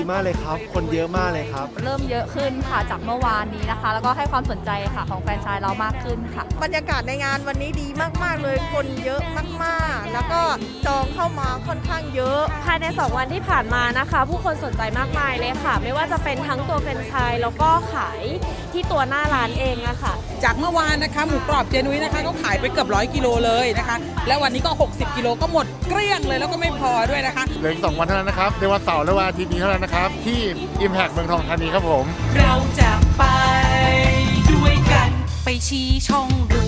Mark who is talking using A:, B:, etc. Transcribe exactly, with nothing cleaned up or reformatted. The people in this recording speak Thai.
A: มากเลยครับคนเยอะมากเลยครับ
B: เริ่มเยอะขึ้นค่ะจากเมื่อวานนี้นะคะแล้วก็ให้ความสนใจค่ะของแฟรนไชส์เรามากขึ้นค่ะ
C: บรรยากาศในงานวันนี้ดีมากๆเลยคนเยอะมากๆแล้วก็จองเข้ามาค่อนข้างเยอะ
D: ภายในสองวันที่ผ่านมานะคะผู้คนสนใจมากมายเลยค่ะไม่ว่าจะเป็นทั้งตัวแฟรนไชส์แล้วก็ขายที่ตัวหน้าร้านเองอะค่ะ
E: จากเมื่อวานนะคะหมูกรอบเจนุ้ยนะคะก็ขายไปเกือบร้อยกิโลเลยนะคะแล้ววันนี้ก็หกสิบกิโลก็หมดเกลี้ยงเลยแล้วก็ไม่พอด้วยนะคะ
F: เหลืออีกสองวันเท่านั้นนะครับในวันเสาร์และวันอาทิตย์นี้เท่านั้นนะครับที่ Impact เมืองทองธานีครับผม
G: เราจะไปด้วยกันไปชี้ช่องดู